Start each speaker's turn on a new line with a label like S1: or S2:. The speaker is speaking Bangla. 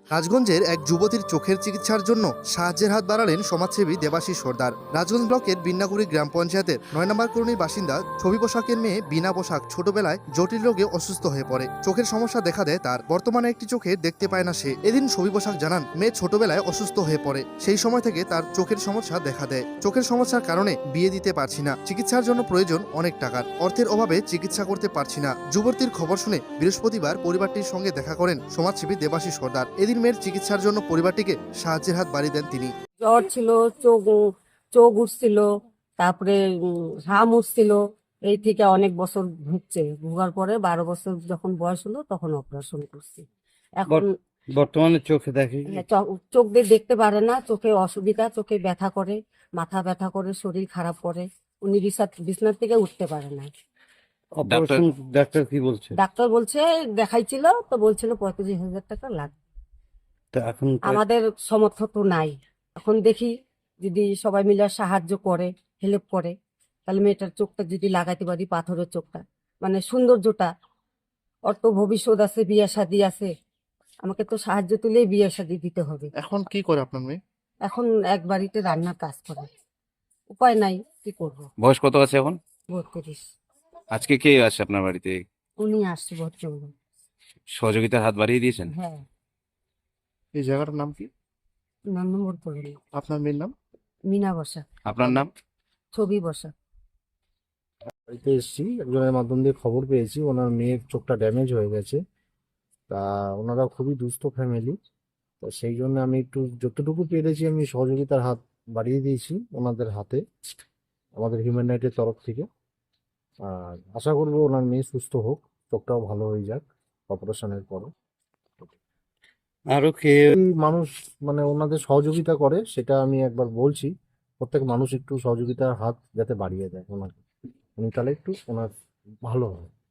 S1: রাজগঞ্জের এক যুবতীর চোখের চিকিৎসার জন্য সাহায্যের হাত বাড়ালেন সমাজসেবী দেবাশিস সর্দার। রাজগঞ্জ ব্লকের বিন্নাগুড়ি গ্রাম পঞ্চায়েতের ৯ নম্বর কলোনির বাসিন্দা ছবি পোশাকের মেয়ে বিনা পোশাক ছোটবেলায় জটিল রোগে অসুস্থ হয়ে পড়ে। চোখের সমস্যা দেখা দেয় তার। বর্তমানে একটি চোখে দেখতে পায় না সে। এদিন ছবি পোশাক জানান মেয়ে ছোটবেলায় অসুস্থ হয়ে পড়ে, সেই সময় থেকে তার চোখের সমস্যা দেখা দেয়। চোখের সমস্যার কারণে বিয়ে দিতে পারছি না, চিকিৎসার জন্য প্রয়োজন অনেক টাকার, অর্থের অভাবে চিকিৎসা করতে পারছি না। যুবতীর খবর শুনে বৃহস্পতিবার পরিবারটির সঙ্গে দেখা করেন সমাজসেবী দেবাশিস সর্দার। এদিন মেয়ের চিকিৎসার জন্য পরিবারটিকে সাহায্যের হাত বাড়িয়ে দেন তিনি।
S2: জ্বর ছিল, চোখ চোখ উঠছিল, তারপরে ঘাম উঠছিল। এই থেকে অনেক বছর ভুগছে। ভোগার পরে 12 বছর যখন বয়স হলো তখন অপারেশন করছি। এখন
S3: বর্তমানে চোখে দেখে কি?
S2: চোখ দিয়ে দেখতে পারে না, চোখে অসুবিধা, চোখে ব্যথা করে, মাথা ব্যথা করে, শরীর খারাপ করে। উনি বিছানার থেকে উঠতে পারে না।
S3: অপারেশন ডাক্তার কি বলছে?
S2: ডাক্তার বলছে, দেখাইছিল তো বলছিল 35,000 টাকা লাগবে।
S3: তো এখন
S2: আমাদের সমর্থ তো নাই। এখন দেখি যদি সবাই মিলে সাহায্য করে, হেল্প করে, তাহলে মেয়েটার চোখটা যদি লাগাইতে পারি, পাথরের চোখটা, মানে সৌন্দর্যটা, ওর তো ভবিষ্যৎ আছে, বিয়ে শাদী আছে। আমাকে তো সাহায্য তুলেই বিয়ে শাদী দিতে হবে।
S1: এখন কি করে আপনার মেয়ে?
S2: এখন এক বাড়িতে রান্নার কাজ করে, উপায় নাই, কি করবো।
S4: বয়স কত আছে এখন?
S2: 32।
S4: আজকে কে আসছে আপনার বাড়িতে?
S2: উনি আসছে ভদ্রলোক।
S4: সহযোগিতার হাত বাড়িয়ে দিয়েছেন?
S2: হ্যাঁ,
S1: এই জায়গাটার নাম কি?
S2: নম্বর পড়ল।
S1: আপনার মেয়ের নাম?
S2: মিনা বসা,
S4: আপনার নাম?
S2: ছবি বসা।
S5: বাড়িতে এসেছি, একজনের মাধ্যম দিয়ে খবর পেয়েছি ওনার মেয়ের চোখটা ড্যামেজ হয়ে গেছে। তা ওনারা খুবই দুস্থ ফ্যামিলি, তো সেই জন্য আমি একটু যতটুকু পেরেছি আমি সহযোগিতার হাত বাড়িয়ে দিয়েছি ওনাদের হাতে, আমাদের হিউম্যান রাইটের তরফ থেকে। আর আশা করবো ওনার মেয়ে সুস্থ হোক, চোখটাও ভালো হয়ে যাক অপারেশনের পরে।
S3: আরো কে
S5: এই মানুষ মানে ওনাদের সহযোগিতা করে সেটা আমি একবার বলছি, প্রত্যেক মানুষ একটু সহযোগিতার হাত যাতে বাড়িয়ে দেয় ওনাকে, উনি তাহলে একটু ওনার ভালো হয়।